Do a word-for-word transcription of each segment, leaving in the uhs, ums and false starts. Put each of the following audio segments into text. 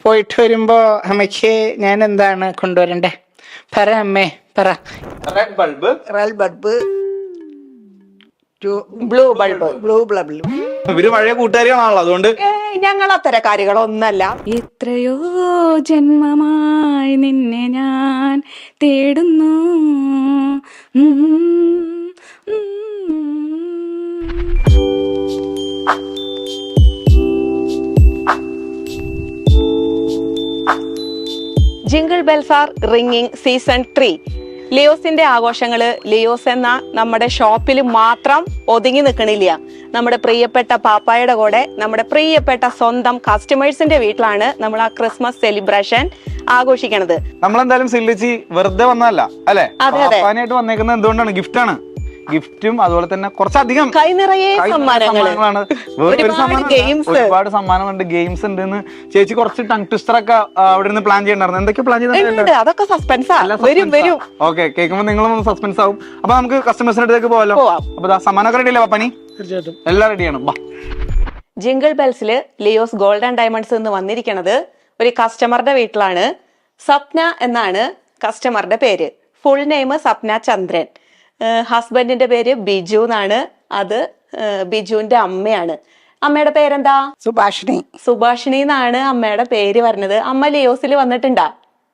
പോയിട്ട് വരുമ്പോ അമ്മയ്ക്ക് ഞാൻ എന്താണ് കൊണ്ടുവരണ്ടേ? പറ അമ്മേ പറ. Red bulb, red bulb, blue bulb. Blue bulb. ഇവര് പഴയ കൂട്ടുകാരികളാണല്ലോ, അതുകൊണ്ട് ഞങ്ങൾ അത്തരക്കാരികളൊന്നല്ല. എത്രയോ ജന്മമായി നിന്നെ ഞാൻ തേടുന്നു. ഉം, ഉം. Jingle bells are ringing season three. ലിയോസിന്റെ ആഘോഷങ്ങള് ലിയോസ് എന്ന നമ്മുടെ ഷോപ്പിൽ മാത്രം ഒതുങ്ങി നിൽക്കണില്ല. നമ്മുടെ പ്രിയപ്പെട്ട പാപ്പായുടെ കൂടെ നമ്മുടെ പ്രിയപ്പെട്ട സ്വന്തം കസ്റ്റമേഴ്സിന്റെ വീട്ടിലാണ് നമ്മൾ ആ ക്രിസ്മസ് സെലിബ്രേഷൻ ആഘോഷിക്കണത്. നമ്മളെന്തായാലും സില്ലിച്ചി വെറുതെ വന്നതല്ല അല്ലെ, അതെ, അതെ. പാപ്പാനായിട്ട് വന്നേക്കുന്നത് എന്തുകൊണ്ടാണ്? ഗിഫ്റ്റാണ്. ഗിഫ്റ്റും അതുപോലെ തന്നെ കുറച്ചധികം കൈ നിറയെ സമ്മാനങ്ങള്, ഒരുപാട് സമ്മാനങ്ങളുണ്ട്, ഗെയിംസ് ഉണ്ട്. ചേച്ചി കുറച്ച് ടങ് ട്വിസ്റ്റർ ഒക്കെ അവിടെ നിന്ന് പ്ലാൻ ചെയ്യണ്ടായിരുന്നു. എന്തൊക്കെ പ്ലാൻ ചെയ്തിട്ടുണ്ട്? അതൊക്കെ സസ്പെൻസാ. വരും വരും. ഓക്കെ, കേൾക്കുമ്പോൾ നിങ്ങളും സസ്പെൻസ് ആവും. അപ്പൊ നമുക്ക് കസ്റ്റമേഴ്സിന്റെ അടുത്തേക്ക് പോകാലോ. അപ്പൊ സമ്മാനമൊക്കെ റെഡി അല്ലേ പപ്പനി? തീർച്ചയായിട്ടും എല്ലാം റെഡിയാണ്. ബാ. ജിംഗിൾ ബെൽസില് ലിയോസ് ഗോൾഡൻ ഡയമണ്ട്സ് എന്ന് വന്നിരിക്കുന്നത് ഒരു കസ്റ്റമറുടെ വീട്ടിലാണ്. സ്വപ്ന എന്നാണ് കസ്റ്റമറുടെ പേര്. Full name Swapna Chandran. ഹസ്ബൻഡിന്റെ പേര് ബിജു എന്നാണ്. അത് ബിജുവിന്റെ അമ്മയാണ്. അമ്മയുടെ പേരെന്താ? സുഭാഷിണി. സുഭാഷിണി എന്നാണ് അമ്മയുടെ പേര് പറഞ്ഞത്. അമ്മ ലിയോസിൽ വന്നിട്ടുണ്ടാ?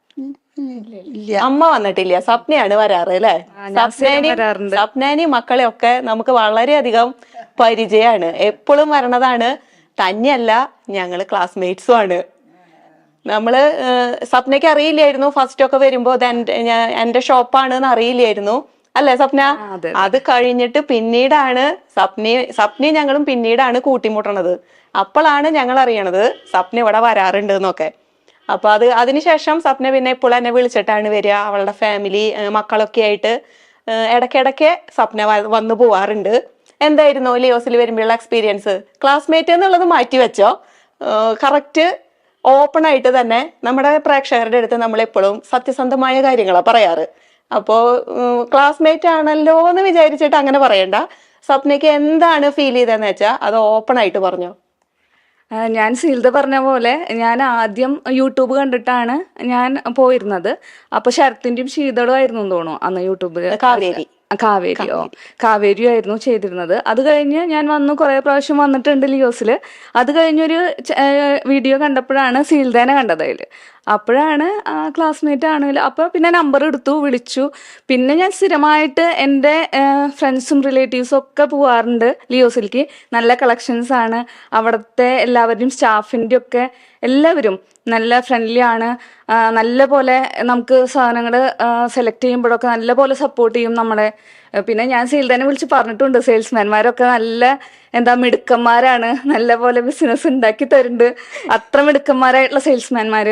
അമ്മ വന്നിട്ടില്ല, സ്വപ്നയാണ് വരാറ് അല്ലെ? സ്വപ്നേനി മക്കളെ ഒക്കെ നമുക്ക് വളരെയധികം പരിചയമാണ്. എപ്പോഴും വരണതാണ്. തന്നെയല്ല, ഞങ്ങള് ക്ലാസ്മേറ്റ്സും ആണ്. നമ്മള് സ്വപ്നയ്ക്ക് അറിയില്ലായിരുന്നു ഫസ്റ്റ് ഒക്കെ വരുമ്പോ എന്റെ ഷോപ്പാണ് അറിയില്ലായിരുന്നു അല്ലെ സ്വപ്ന? അത് കഴിഞ്ഞിട്ട് പിന്നീടാണ് സ്വപ്ന സ്വപ്നയും ഞങ്ങളും പിന്നീടാണ് കൂട്ടിമുട്ടണത്. അപ്പോഴാണ് ഞങ്ങൾ അറിയണത് സ്വപ്ന ഇവിടെ വരാറുണ്ട് എന്നൊക്കെ. അപ്പൊ അത് അതിനുശേഷം സ്വപ്ന പിന്നെ ഇപ്പോൾ എന്നെ വിളിച്ചിട്ടാണ് വരിക. അവളുടെ ഫാമിലി മക്കളൊക്കെ ആയിട്ട് ഇടയ്ക്കിടയ്ക്ക് സ്വപ്ന വന്നു പോവാറുണ്ട്. എന്തായിരുന്നു ലിയോസിൽ വരുമ്പോഴുള്ള എക്സ്പീരിയൻസ്? ക്ലാസ്മേറ്റ് എന്നുള്ളത് മാറ്റി വെച്ചോ, കറക്റ്റ് ഓപ്പൺ ആയിട്ട് തന്നെ നമ്മുടെ പ്രേക്ഷകരുടെ അടുത്ത് നമ്മൾ എപ്പോഴും സത്യസന്ധമായ കാര്യങ്ങളാണ് പറയാറ്. അപ്പോ ക്ലാസ്മേറ്റ് ആണല്ലോ എന്ന് വിചാരിച്ചിട്ട് അങ്ങനെ പറയണ്ട. സ്വപ്നയ്ക്ക് എന്താണ് ഫീൽ ചെയ്തതെന്ന് വെച്ചാൽ അത് ഓപ്പൺ ആയിട്ട് പറഞ്ഞോ. ഞാൻ സീൽത പറഞ്ഞ പോലെ ഞാൻ ആദ്യം യൂട്യൂബ് കണ്ടിട്ടാണ് ഞാൻ പോയിരുന്നത്. അപ്പൊ ശരത്തിന്റെയും ശീതളും ആയിരുന്നു തോന്നുന്നു അന്ന് യൂട്യൂബ്. കാവേരി കാവേരിയോ കാവേരിയോ ആയിരുന്നു ചെയ്തിരുന്നത്. അത് കഴിഞ്ഞ് ഞാൻ വന്നു, കുറെ പ്രാവശ്യം വന്നിട്ടുണ്ട് ലിയോസിൽ. അത് കഴിഞ്ഞൊരു വീഡിയോ കണ്ടപ്പോഴാണ് സീൽദേനെ കണ്ടത് അതിൽ. അപ്പോഴാണ് ക്ലാസ്മേറ്റ് ആണെങ്കിലും അപ്പോൾ പിന്നെ നമ്പർ എടുത്തു, വിളിച്ചു. പിന്നെ ഞാൻ സ്ഥിരമായിട്ട് എൻ്റെ ഫ്രണ്ട്സും റിലേറ്റീവ്സും ഒക്കെ പോവാറുണ്ട് ലിയോസിലേക്ക്. നല്ല കളക്ഷൻസ് ആണ് അവിടുത്തെ. എല്ലാവരുടെയും സ്റ്റാഫിൻ്റെ ഒക്കെ എല്ലാവരും നല്ല ഫ്രണ്ട്ലി ആണ്. നല്ല പോലെ നമുക്ക് സാധനങ്ങൾ സെലക്ട് ചെയ്യുമ്പോഴൊക്കെ നല്ല പോലെ സപ്പോർട്ട് ചെയ്യും നമ്മളെ. പിന്നെ ഞാൻ സീൽദേനെ വിളിച്ച് പറഞ്ഞിട്ടുണ്ട്, സെയിൽസ്മാൻമാരൊക്കെ നല്ല എന്താ മിടുക്കന്മാരാണ്, നല്ല പോലെ ബിസിനസ് ഉണ്ടാക്കി തരുന്നുണ്ട്. അത്ര മിടുക്കന്മാരായിട്ടുള്ള സെയിൽസ്മാൻമാര്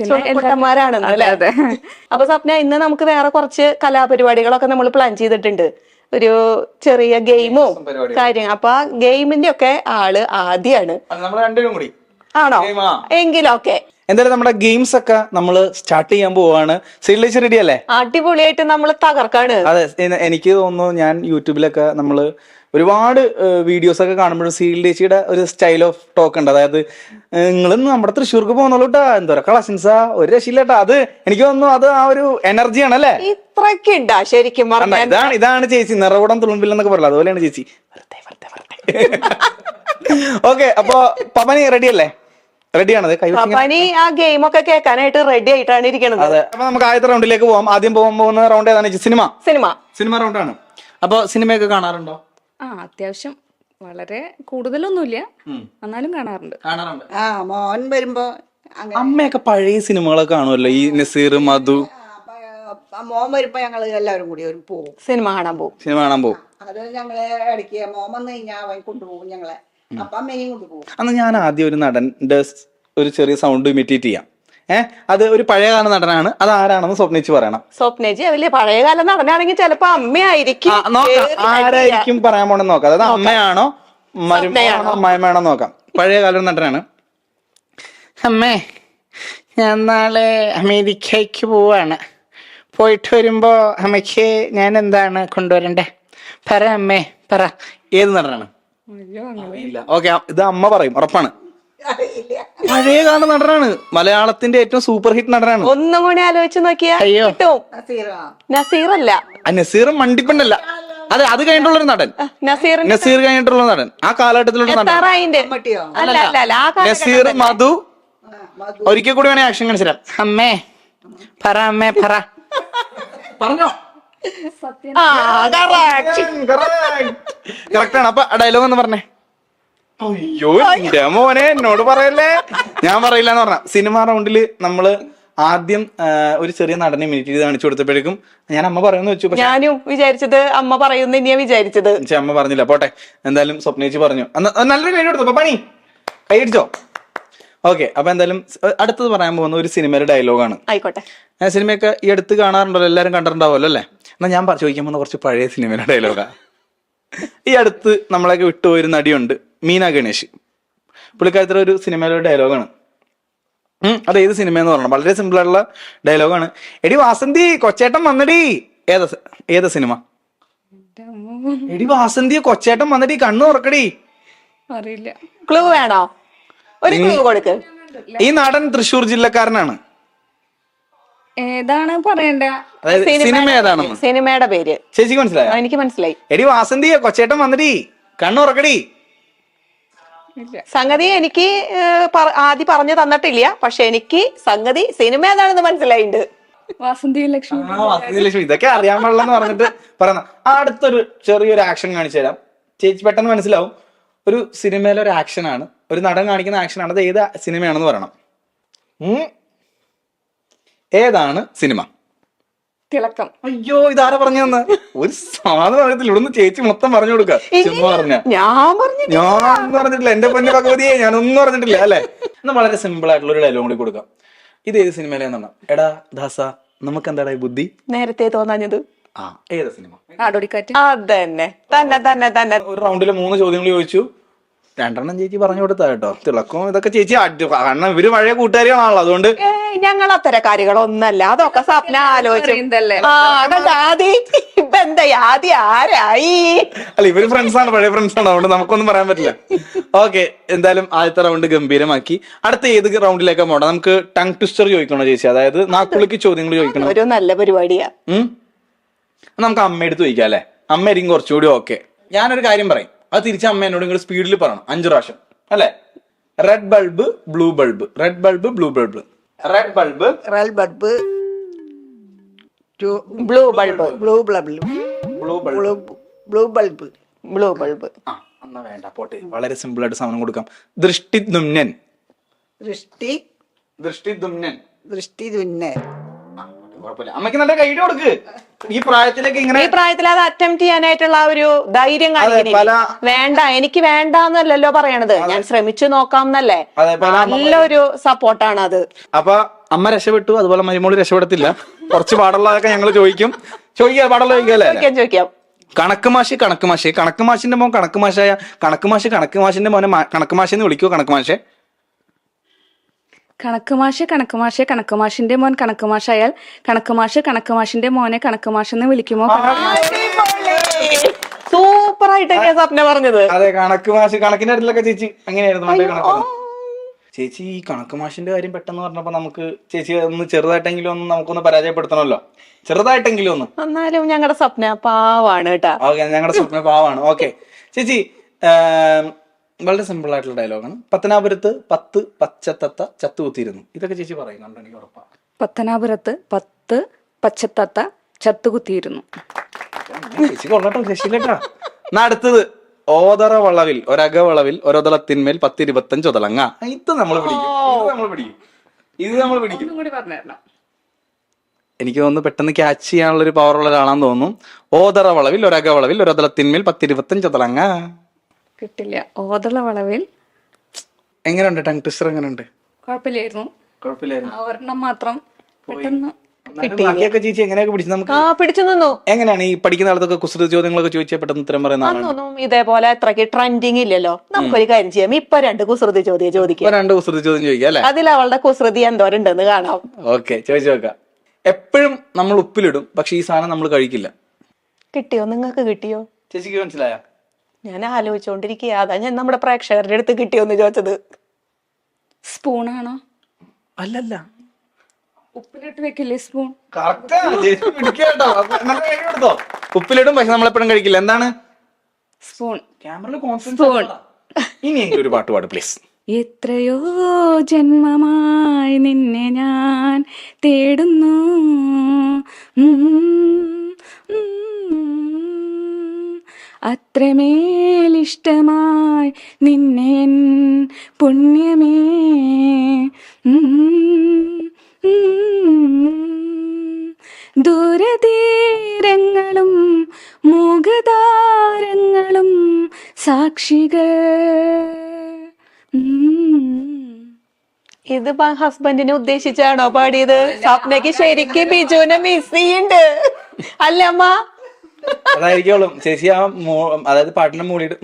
ാണ്. അപ്പൊ സ്വപ്ന, ഇന്ന് നമുക്ക് വേറെ കുറച്ച് കലാപരിപാടികളൊക്കെ നമ്മൾ പ്ലാൻ ചെയ്തിട്ടുണ്ട്. ഒരു ചെറിയ ഗെയിമും കാര്യം. അപ്പൊ ആ ഗെയിമിന്റെ ഒക്കെ ആള് ആദ്യാണ്. ആണോ? എങ്കിലൊക്കെ എന്തായാലും നമ്മുടെ ഗെയിംസ് ഒക്കെ നമ്മൾ സ്റ്റാർട്ട് ചെയ്യാൻ പോവാണ്. സീൽലേച്ചി റെഡി അല്ലേ? അടിപൊളിയായിട്ട് നമ്മൾ തകർക്കാണ്. അതെ, എനിക്ക് തോന്നുന്നു ഞാൻ യൂട്യൂബിലൊക്കെ നമ്മള് ഒരുപാട് വീഡിയോസ് ഒക്കെ കാണുമ്പോഴും സീൽലേച്ചിയുടെ ഒരു സ്റ്റൈൽ ഓഫ് ടോക്ക് ഉണ്ട്. അതായത് നിങ്ങളൊന്ന് നമ്മുടെ തൃശ്ശൂർക്ക് പോകുന്നുള്ളൂ കേട്ടാ, എന്തോരം കളക്ഷൻസാ, ഒരു രക്ഷയില്ലേട്ടാ. അത് എനിക്ക് തോന്നുന്നു അത് ആ ഒരു എനർജിയാണ് അല്ലേ? ഇത്രയൊക്കെ ഉണ്ടാ ശരിക്കും പറഞ്ഞാൽ. ഇതാണ് ഇതാണ് ചേച്ചി നിറകൂടം തുളുമ്പില്ലെന്നൊക്കെ പറയല്ലോ, അതുപോലെയാണ് ചേച്ചി. ഓക്കെ, അപ്പൊ പപ്പനി റെഡി അല്ലേ? റെഡിയാണത്. പപ്പനി ആ ഗെയിം ഒക്കെ കേൾക്കാനായിട്ട് റെഡി ആയിട്ടാണ് ഇരിക്കുന്നത്. അതെ, അപ്പൊ നമുക്ക് ആദ്യത്തെ റൗണ്ടിലേക്ക് പോവാം. ആദ്യം പോകാൻ പോകുന്ന റൗണ്ട് ഏതാണ്? സിനിമ സിനിമ സിനിമ റൗണ്ടാണ്. അപ്പൊ സിനിമയൊക്കെ കാണാറുണ്ടോ? ആ അത്യാവശ്യം, വളരെ കൂടുതലൊന്നുമില്ല, എന്നാലും കാണാറുണ്ട്. കാണാറുണ്ട്. ആ മോൻ വരുമ്പോ അമ്മയൊക്കെ പഴയ സിനിമകളൊക്കെ കാണുമല്ലോ, ഈ നസീർ, മധു. മോൻ വരുമ്പോ ഞങ്ങള് എല്ലാവരും കൂടി ഒരു പോവും, സിനിമ കാണാൻ പോകും. സിനിമ കാണാൻ പോകും. അത് ഞങ്ങളെ ഇടയ്ക്ക് മോൻ വന്നു കഴിഞ്ഞാൽ അവൻ കൊണ്ടുപോകും ഞങ്ങളെ. അപ്പൊ അമ്മയും കൊണ്ടുപോകും. അന്ന് ഞാൻ ആദ്യം ഒരു നടന്റെ ഒരു ചെറിയ സൗണ്ട് ഇമിറ്റേറ്റ് ചെയ്യാം. ഏഹ് അത് ഒരു പഴയകാല നടനാണ്. അത് ആരാണെന്ന് സ്വപ്നിച്ച് പറയണം. സ്വപ്നജി വലിയ പഴയകാല നടനാണെങ്കിൽ ചിലപ്പോ അമ്മയായിരിക്കും. ആരായിരിക്കും പറയാൻ പോണെന്ന് നോക്കാം. അതായത് അമ്മയാണോ മരുമയാണോ അമ്മായിമാണോ നോക്കാം. പഴയകാല നടനാണ്. അമ്മേ, ഞാൻ നാളെ അമേരിക്കയ്ക്ക് പോവാണ്. പോയിട്ട് വരുമ്പോ അമ്മയ്ക്ക് ഞാൻ എന്താണ് കൊണ്ടുവരണ്ടേ? പറ അമ്മേ പറ. ഏത് നടനാണ്? ഇല്ല. ഓക്കെ, ഇത് അമ്മ പറയും, ഉറപ്പാണ്. അറിയില്ല. പഴയ കാല നടനാണ്, മലയാളത്തിന്റെ ഏറ്റവും സൂപ്പർ ഹിറ്റ് നടനാണ്. ഒന്നും കൂടി ആലോചിച്ച് നോക്കിയാ അയ്യോ. കിട്ടും. നസീറോ? നസീറല്ല, ആ നസീർ മണ്ടിപ്പണ്ടല്ല, അതെ അത് കഴിഞ്ഞിട്ടുള്ളൊരു നടൻ, നസീറിന്റെ നസീർ കഴിഞ്ഞിട്ടുള്ള നടൻ, ആ കാലഘട്ടത്തിലുള്ള നടൻ. തറായിന്റെ മമ്മൂട്ടിയോ? അല്ല അല്ല അല്ല ആ കാലഘട്ടം നസീർ, തന്നെ. മധു. ആ, മധു. ഒരിക്കൽ കൂടി വേണേ ആക്ഷൻ കാണിച്ചു തരാം. അമ്മേ പറ അമ്മേ പറ. പറഞ്ഞോ. ആ correct. കറക്റ്റ് ആണ്. അപ്പൊ ഡയലോഗ് എന്ന് പറഞ്ഞേ. അയ്യോ എന്റെ മോനെ എന്നോട് പറയല്ലേ, ഞാൻ പറയില്ല എന്ന് പറഞ്ഞ. സിനിമ റൗണ്ടില് നമ്മള് ആദ്യം ആ, ഒരു ചെറിയ നടനെ മിനിറ്റ് ചെയ്ത് കാണിച്ചു കൊടുത്തപ്പോഴേക്കും ഞാൻ അമ്മ പറയുമെന്ന് വെച്ചു. പക്ഷെ ഞാനും വിചാരിച്ചത് അമ്മ പറയുന്ന തന്നെയാ വിചാരിച്ചത്. പക്ഷെ അമ്മ പറഞ്ഞില്ല. പോട്ടെ, എന്തായാലും സ്വപ്നേച്ചി പറഞ്ഞു. അന്ന് നല്ലൊരു കൈ കൊടുത്തു. പണി കൈ അടിച്ചോ. ഓക്കെ, അപ്പൊ എന്തായാലും അടുത്തത് പറയാൻ പോകുന്ന ഒരു സിനിമയുടെ ഡയലോഗാണ്. ആയിക്കോട്ടെ. ആ സിനിമയൊക്കെ ഈ അടുത്ത് കാണാറുണ്ടല്ലോ, എല്ലാവരും കണ്ടിട്ടുണ്ടാവുമല്ലോ അല്ലേ? എന്നാ ഞാൻ പറ- ചോദിക്കാൻ പോകുന്ന കുറച്ച് പഴയ സിനിമയുടെ ഡയലോഗാ. ഈ അടുത്ത് നമ്മളൊക്കെ വിട്ടുപോയൊരു നടിയുണ്ട്, മീന ഗണേഷ്. പുള്ളിക്കാരത്തിലെ ഒരു സിനിമയിലെ ഡയലോഗാണ്. ഉം അത് ഏത് സിനിമ എന്ന് പറയണം, വളരെ സിമ്പിൾ ആയിട്ടുള്ള ഡയലോഗാണ്. എടി വാസന്തി കൊച്ചേട്ടൻ വന്നടി. ഏതാ സ- ഏതാ സിനിമ? എടി വാസന്തി കൊച്ചേട്ടൻ വന്നടി, കണ്ണു തുറക്കടി. അറിയില്ല. ക്ലൂ വേണോ? ഒരു ക്ലൂ കൊടുക്ക്. ഈ നടൻ തൃശ്ശൂർ ജില്ലക്കാരനാണ്. ഏതാണ് പറയണ്ട? അതായത് സിനിമ ഏതാണെന്ന് സിനിമയുടെ പേര് ചേച്ചിക്ക് മനസ്സിലായോ? ആ, എനിക്ക് മനസ്സിലായി. എടി വാസന്തി കൊച്ചേട്ടൻ വന്നടി, കണ്ണു തുറക്കടി. സംഗതി എനിക്ക് ഏഹ്, പറ- ആദ്യം പറഞ്ഞു തന്നിട്ടില്ല, പക്ഷെ എനിക്ക് സംഗതി സിനിമ ഏതാണെന്ന് മനസ്സിലായിണ്ട്. വാസന്തി ലക്ഷ്മി. ആ, വാസന്തി ലക്ഷ്മി. ഇതൊക്കെ അറിയാൻ പാടില്ലെന്ന് പറഞ്ഞിട്ട് പറയുന്ന. ആ അടുത്തൊരു ചെറിയൊരു ആക്ഷൻ കാണിച്ചു തരാം, ചേച്ചി പെട്ടെന്ന് മനസ്സിലാവും. ഒരു സിനിമയിലെ ഒരു ആക്ഷൻ ആണ്, ഒരു നടൻ കാണിക്കുന്ന ആക്ഷൻ ആണ്. അത് ഏത് സിനിമയാണെന്ന് പറയണം. ഉം. ഏതാണ് സിനിമ? തിളക്കം. അയ്യോ ഇതാരാ പറഞ്ഞു തന്നെ? ഒരു സാധനം അറിയത്തില്ല. ഇവിടുന്ന് ചേച്ചി മൊത്തം പറഞ്ഞു കൊടുക്ക. ചുമ്മാ പറഞ്ഞ ഞാൻ പറഞ്ഞു ഞാൻ ഒന്നും പറഞ്ഞിട്ടില്ല, എന്റെ പൊന്നു ഭഗവതിയെ ഞാനൊന്നും പറഞ്ഞിട്ടില്ല അല്ലെ. എന്നാ വളരെ സിമ്പിൾ ആയിട്ടുള്ള ഒരു ഡയലോഗ് കൂടി കൊടുക്കാം. ഇത് ഏത് സിനിമയിലെന്നാണ്? എടാ ദാസ നമുക്ക് എന്താടാ ഈ ബുദ്ധി? നേരത്തെ തോന്നാഞ്ഞത് ആ ഏത് സിനിമ? ആടോടിക്കാറ്റ്. അതന്നെ തന്നെ തന്നെ തന്നെ. ഒരു റൗണ്ടില് മൂന്ന് ചോദ്യങ്ങൾ ചോദിച്ചു, രണ്ടെണ്ണം ചേച്ചി പറഞ്ഞു കൊടുത്താ കേട്ടോ. തിളക്കവും ഇതൊക്കെ ചേച്ചി അടി- കാരണം ഇവര് പഴയ കൂട്ടുകാരികളാണല്ലോ, അതുകൊണ്ട് ഏയ് ഞങ്ങൾ അത്തരം കാര്യങ്ങളൊന്നല്ല, അതൊക്കെ സ്വപ്ന ആലോചിച്ചു. അറിയുന്നതല്ലേ? ആ കണ്ട ആദ്യം ഇപ്പൊ എന്താ ആദ്യം ആരായി? അല്ല ഇവര് ഫ്രണ്ട്സ് ആണ്, പഴയ ഫ്രണ്ട്സ് ആണ്, അതുകൊണ്ട് നമുക്കൊന്നും പറയാൻ പറ്റില്ല. ഓക്കെ, എന്തായാലും ആദ്യത്തെ റൗണ്ട് ഗംഭീരമാക്കി. അടുത്ത ഏത് റൗണ്ടിലേക്കാ പോകണം? നമുക്ക് ടങ് ട്വിസ്റ്റർ ചോദിക്കണോ ചേച്ചി? അതായത് നാക്കുളിക്ക് ചോദ്യങ്ങൾ ചോദിക്കണം. ഒരു നല്ല പരിപാടിയാ. ഉം നമുക്ക് അമ്മ എടുത്ത് ചോദിക്കാം അല്ലെ? അമ്മ ആയിരിക്കും കുറച്ചുകൂടി ഓക്കെ. ഞാനൊരു കാര്യം പറയും, അത് തിരിച്ച് അമ്മ എന്നോട് ഇങ്ങോട്ട് സ്പീഡിൽ പറയണം അഞ്ചു പ്രാവശ്യം അല്ലെ? Red bulb blue bulb, red bulb blue bulb, red bulb red bulb, blue bulb, blue bulb, blue bulb, blue bulb, blue bulb. ആ എന്നാ വേണ്ട പോട്ടെ, വളരെ സിമ്പിൾ ആയിട്ട് സാധനം കൊടുക്കാം. ദൃഷ്ടിദുമ്നൻ, ദൃഷ്ടി ദൃഷ്ടിദുമ്നൻ. ദൃഷ്ടി തുന്നൽ. ആ, കുഴപ്പമില്ല. അമ്മയ്ക്ക് നല്ല കൈഡ് കൊടുക്ക്. ഈ പ്രായത്തിലേക്ക് ഇങ്ങനെ ഈ പ്രായത്തിൽ അത് അറ്റംപ്റ്റ് ചെയ്യാനായിട്ടുള്ള ആ ഒരു ധൈര്യം കാണിക്കണില്ലേ? പല- വേണ്ട എനിക്ക് വേണ്ടാന്നല്ലല്ലോ പറയണത്, ഞാൻ ശ്രമിച്ചു നോക്കാം എന്നല്ലേ. അതെ, പല നല്ലൊരു സപ്പോർട്ടാണ് അത്. അപ്പൊ അമ്മ രക്ഷപ്പെട്ടു, അതുപോലെ മരുമോള് രക്ഷപ്പെടത്തില്ല. കുറച്ച് പാടുള്ളതൊക്കെ ഞങ്ങൾ ചോദിക്കും. ചോദിക്കാം, പാടുള്ള ചോദിക്കല്ലേ? ചോദിക്കാം ചോദിക്കാം. കണക്ക് മാഷി കണക്ക് മാഷി കണക്ക് മാഷിന്റെ മോൻ കണക്ക് മാഷായ കണക്ക് മാഷി കണക്ക് മാഷിന്റെ മോനെ മാ- കണക്ക് മാഷി എന്ന് വിളിക്കുവോ? കണക്ക് മാഷെ കണക്ക് മാഷ് കണക്ക് മാഷ് കണക്ക് മാഷിന്റെ മോൻ കണക്ക് മാഷായാൽ കണക്ക് മാഷ് കണക്ക് മാഷിന്റെ മോനെ കണക്ക് മാഷെന്ന് വിളിക്കുമോ? സൂപ്പർ ആയിട്ടൊക്കെ സ്വപ്ന പറഞ്ഞത്. അതെ, കണക്ക് മാഷി കണക്കിന്റെ അടുത്തിലൊക്കെ ചേച്ചി അങ്ങനെയായിരുന്നു പണ്ടേ കണക്ക്. ചേച്ചി ഈ കണക്ക് മാഷിന്റെ കാര്യം പെട്ടെന്ന് പറഞ്ഞപ്പോ നമുക്ക് ചേച്ചി ഒന്ന് ചെറുതായിട്ടെങ്കിലും ഒന്ന് നമുക്കൊന്ന് പരാജയപ്പെടുത്തണമല്ലോ, ചെറുതായിട്ടെങ്കിലും ഒന്ന്. എന്നാലും ഞങ്ങളുടെ സ്വപ്ന പാവാണ് കേട്ടാ. ഓക്കെ, ഞങ്ങളുടെ സ്വപ്ന പാവാണ്. ഓക്കെ ചേച്ചി, ആം, വളരെ സിമ്പിൾ ആയിട്ടുള്ള ഡയലോഗാണ്. പത്തനാപുരത്ത് പത്ത് പച്ചത്തത്ത ചത്തുകുത്തിയിരുന്നു. ഇതൊക്കെ ചേച്ചി പറയുന്നുണ്ട്, എനിക്ക് ഉറപ്പാണ്. പത്തനാപുരത്ത് പത്ത് പച്ചത്തത്ത ചത്തുകുത്തിയിരുന്നു. ചേച്ചി കൊള്ളട്ടോ, രക്ഷില്ലട്ടാ. എന്നാ അടുത്തത്, ഓതറ വളവിൽ ഒരക വളവിൽ ഒരൊതളത്തിന്മേൽ പത്തിരുപത്തഞ്ച് ഒതളങ്ങ. ഇത് നമ്മൾ പിടിക്കും, ഇത് നമ്മൾ പിടിക്കും, ഇത് നമ്മൾ പിടിക്കും. കൂടി പറഞ്ഞു തരണം. എനിക്ക് തോന്നുന്നു പെട്ടെന്ന് ക്യാച്ച് ചെയ്യാനുള്ള ഒരു പവർ ഉള്ള ഒരാളാന്ന് തോന്നുന്നു. ഓതറ വളവിൽ ഒരക വളവിൽ ഒരൊതളത്തിന്മേൽ പത്തിരുപത്തഞ്ച് ഒതളങ്ങ. കിട്ടില്ല. ഓതള വളവിൽ. എങ്ങനെയുണ്ട് ടങ് ട്വിസ്റ്റർ? എങ്ങനെയുണ്ട്? കുഴപ്പമില്ലായിരുന്നു. കുഴപ്പമില്ലായിരുന്നു. ആ ഒരെണ്ണം മാത്രം പെട്ടെന്ന് ബാക്കിയൊക്കെ ചേച്ചി എങ്ങനെയൊക്കെ പിടിച്ചു? നമുക്ക് ആ പിടിച്ചു നിന്നു. എങ്ങനെയാണ് ഈ പഠിക്കുന്ന കാലത്തൊക്കെ കുസൃതി ചോദ്യങ്ങളൊക്കെ ചോദിച്ചാൽ പെട്ടെന്ന് ഉത്തരം പറയുന്ന ആളാണ്? അന്നൊന്നും ഇതേപോലെ അത്രയ്ക്ക് ട്രെൻഡിങ് ഇല്ലല്ലോ. നമുക്കൊരു കാര്യം ചെയ്യാം, ഇപ്പൊ രണ്ട് കുസൃതി ചോദ്യം ചോദിക്കാം. ഇപ്പൊ രണ്ട് കുസൃതി ചോദ്യം ചോദിക്കാം അല്ലെ? അതിൽ അവളുടെ കുസൃതി എന്തോരുണ്ടെന്ന് കാണാം. ഓക്കെ, ചോദിച്ചു നോക്കാം. എപ്പോഴും നമ്മൾ ഉപ്പിലിടും, പക്ഷെ ഈ സാധനം നമ്മൾ കഴിക്കില്ല. കിട്ടിയോ? നിങ്ങൾക്ക് കിട്ടിയോ? ചേച്ചിക്ക് മനസ്സിലായോ? ഞാൻ ആലോചിച്ചോണ്ടിരിക്കുക, അതാ ഞാൻ നമ്മുടെ പ്രേക്ഷകരുടെ അടുത്ത് കിട്ടിയോന്ന് ചോദിച്ചത്. സ്പൂണാണോ? അല്ലല്ല. ഉപ്പിലിട്ട് വെക്കില്ലേ സ്പൂൺ? കറക്റ്റാ, ചേച്ചി പിടിക്കാട്ടോ. അപ്പൊ നല്ല കാര്യം എടുത്തോ. ഉപ്പിലിടും, പക്ഷെ നമ്മളെപ്പോഴും കഴിക്കില്ല. എന്താണ്? സ്പൂൺ. ക്യാമറയിൽ സ്പൂൺ. കോൺസെൻട്രേറ്റ്. ഇനി എനിക്ക് ഒരു പാട്ട് പാട് പ്ലീസ്. എത്രയോ ജന്മമായി നിന്നെ ഞാൻ തേടുന്നു, ഉം, ഉം, അത്രമേലിഷ്ടമായി നിന്നെ എൻ പുണ്യമേ, ഉം, ഉം, ദൂരതീരങ്ങളും മുഖതാരങ്ങളും സാക്ഷികൾ. ഇത് ഹസ്ബൻഡിനെ ഉദ്ദേശിച്ചാണോ പാടിയത്? സ്വപ്നയ്ക്ക് ശരിക്കും ബിജുവിനെ മിസ് ചെയ്യുന്നുണ്ട് അല്ലേ അമ്മ? അതായിരിക്കും ചേച്ചി ആ അതായത് പാട്ടിന്റെ മൂളിയിട്ട്.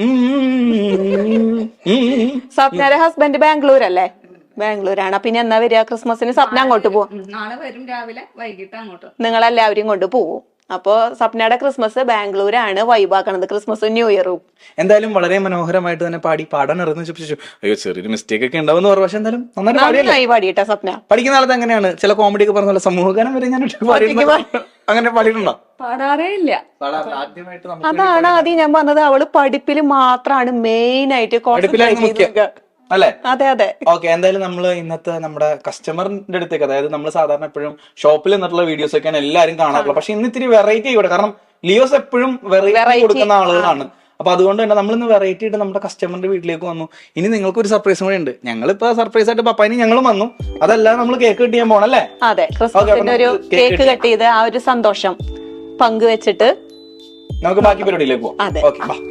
സ്വപ്നയുടെ ഹസ്ബൻഡ് ബാംഗ്ലൂർ അല്ലേ? ബാംഗ്ലൂരാണ്. പിന്നെ എന്നാ വരിക ക്രിസ്മസിന്? സ്വപ്ന അങ്ങോട്ട് പോകും. നാളെ വരും, രാവിലെ വൈകിട്ട് അങ്ങോട്ട്. നിങ്ങളെല്ലാവരും കൊണ്ട് പോകും. അപ്പോ സ്വപ്നയുടെ ക്രിസ്മസ് ബാംഗ്ലൂരാണ് വൈബാക്കണത്, ക്രിസ്മസും ന്യൂ ഇയറും. എന്തായാലും വളരെ മനോഹരമായിട്ട് തന്നെ പാടി. പാടാൻ ഇറങ്ങുന്ന ചോദിച്ചു, അയ്യോ ചെറിയൊരു മിസ്റ്റേക്ക് ഒക്കെ ഉണ്ടാവും പറഞ്ഞു. പക്ഷെ എന്തായാലും നന്നായി പാടിയിട്ടാ സ്വപ്ന. പഠിക്കുന്ന കാലത്ത് എങ്ങനെയാണ് ചില കോമഡി ഒക്കെ പറഞ്ഞ സമൂഹഗാനം വരെ ഞാൻ അങ്ങനെ പാടിയിട്ടുണ്ടോ? പാടാറേ ഇല്ല. അതാണ് ആദ്യം ഞാൻ പറഞ്ഞത്, അവള് പഠിപ്പിൽ മാത്രമാണ് മെയിൻ ആയിട്ട് കോൺസെൻട്രേറ്റ് ചെയ്ത്. അല്ലേ? അതെ അതെ. ഓക്കെ, എന്തായാലും നമ്മള് ഇന്നത്തെ നമ്മുടെ കസ്റ്റമറിന്റെ അടുത്തേക്ക്, അതായത് നമ്മൾ സാധാരണ എപ്പോഴും ഷോപ്പിൽ നിന്നിട്ടുള്ള വീഡിയോസ് ഒക്കെയാണ് എല്ലാവരും കാണാറുള്ളത്. പക്ഷെ ഇന്ന് ഇത്തിരി വെറൈറ്റി ആയിക്കോട്ടെ, കാരണം ലിയോസ് എപ്പോഴും വെറൈറ്റി കൊടുക്കുന്ന ആളുകളാണ്. അപ്പൊ അതുകൊണ്ട് തന്നെ നമ്മളിന്ന് വെറൈറ്റി ആയിട്ട് നമ്മുടെ കസ്റ്റമറിന്റെ വീട്ടിലേക്ക് വന്നു. ഇനി നിങ്ങൾക്ക് ഒരു സർപ്രൈസും കൂടെ ഉണ്ട്. ഞങ്ങളിപ്പോ സർപ്രൈസ് ആയിട്ട് പപ്പാനി ഞങ്ങളും വന്നു. അതല്ല നമ്മൾ കേക്ക് കട്ട് ചെയ്യാൻ പോണല്ലേ? അതെ, ക്രിസ്മസിന്റെ ഒരു കേക്ക് കട്ട് ചെയ്ത് ആ ഒരു സന്തോഷം പങ്കുവെച്ചിട്ട് നമുക്ക് ബാക്കി പരിപാടിയിലേക്ക് പോവാം. അതെ. ഓക്കെ, ബാ.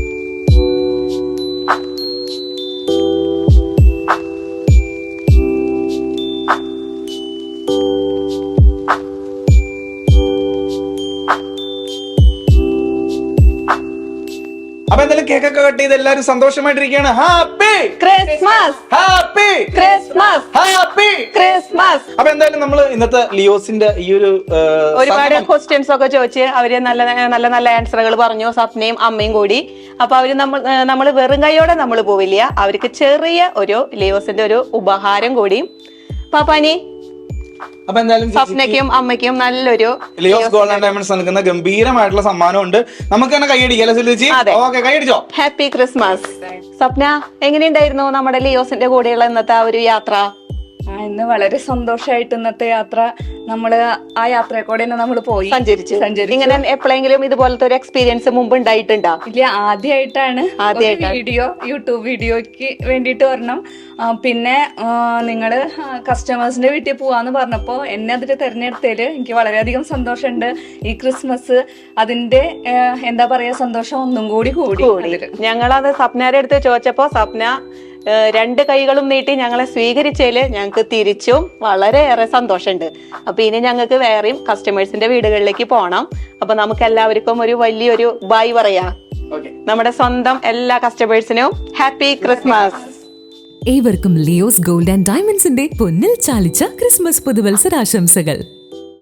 അപ്പൊ എന്തായാലും കേക്കൊക്കെ കട്ട് ചെയ്ത് എല്ലാവരും സന്തോഷമായിട്ടിരിക്കുകയാണ്. Happy Christmas, happy Christmas, happy Christmas. അപ്പൊ എന്തായാലും നമ്മള് ഇന്നത്തെ ലിയോസിന്റെ ഈ ഒരു ഒരുപാട് ക്വസ്റ്റ്യൻസ് ഒക്കെ ചോദിച്ച് അവര് നല്ല നല്ല നല്ല ആൻസറുകൾ പറഞ്ഞു, സ്വപ്നയും അമ്മയും കൂടി. അപ്പൊ അവര് നമ്മൾ നമ്മള് വെറും കൈയോടെ നമ്മൾ പോവില്ല, അവർക്ക് ചെറിയ ഒരു ലിയോസിന്റെ ഒരു ഉപഹാരം കൂടി. പാപ്പാനി അപ്പൊ എന്തായാലും സ്വപ്നയ്ക്കും അമ്മയ്ക്കും നല്ലൊരു ലിയോസ് ഗോൾഡ് ആൻഡ് ഡയമണ്ട്സ് നൽകുന്ന ഗംഭീരമായിട്ടുള്ള സമ്മാനം ഉണ്ട്. നമുക്ക് തന്നെ കൈയടിക്കാം. ഓക്കെ, കൈയടിച്ചോ. Happy Christmas. സ്വപ്ന, എങ്ങനെയുണ്ടായിരുന്നു നമ്മുടെ ലിയോസിന്റെ കൂടെയുള്ള ഇന്നത്തെ ആ ഒരു യാത്ര? ആ, ഇന്ന് വളരെ സന്തോഷമായിട്ട് ഇന്നത്തെ യാത്ര നമ്മള് ആ യാത്രയെ കൂടെ തന്നെ നമ്മൾ പോയി സഞ്ചരിച്ചു. സഞ്ചരിച്ചു. ഇങ്ങനെ എപ്പോഴെങ്കിലും ഇതുപോലത്തെ ഒരു എക്സ്പീരിയൻസ് മുമ്പ് ഉണ്ടായിട്ടുണ്ടോ? ഇല്ല, ആദ്യമായിട്ടാണ്. വീഡിയോ യൂട്യൂബ് വീഡിയോക്ക് വേണ്ടിയിട്ട് വരണം. പിന്നെ നിങ്ങള് കസ്റ്റമേഴ്സിന്റെ വീട്ടിൽ പോവാന്ന് പറഞ്ഞപ്പോ എന്നെ അതിൽ തെരഞ്ഞെടുത്തതിൽ എനിക്ക് വളരെയധികം സന്തോഷമുണ്ട്. ഈ ക്രിസ്മസ് അതിന്റെ എന്താ പറയാ സന്തോഷം ഒന്നും കൂടി കൂടി. ഞങ്ങളത് സ്വപ്നയുടെ അടുത്ത് ചോദിച്ചപ്പോ സ്വപ്ന രണ്ട് കൈകളും നീട്ടി ഞങ്ങളെ സ്വീകരിച്ചതില് ഞങ്ങൾക്ക് തിരിച്ചും വളരെയേറെ സന്തോഷമുണ്ട്. അപ്പൊ ഇനി ഞങ്ങൾക്ക് വേറെയും കസ്റ്റമേഴ്സിന്റെ വീടുകളിലേക്ക് പോകണം. അപ്പൊ നമുക്ക് എല്ലാവർക്കും ഒരു വലിയൊരു ബൈ പറയാം. നമ്മുടെ സ്വന്തം എല്ലാ കസ്റ്റമേഴ്സിനും ഹാപ്പി ക്രിസ്മസ്. ഏവർക്കും ലിയോസ് ഗോൾഡ് ആൻഡ് ഡയമണ്ട്സിന്റെ പൊന്നിൽ ചാലിച്ച ക്രിസ്മസ് പുതുവത്സരാശംസകൾ.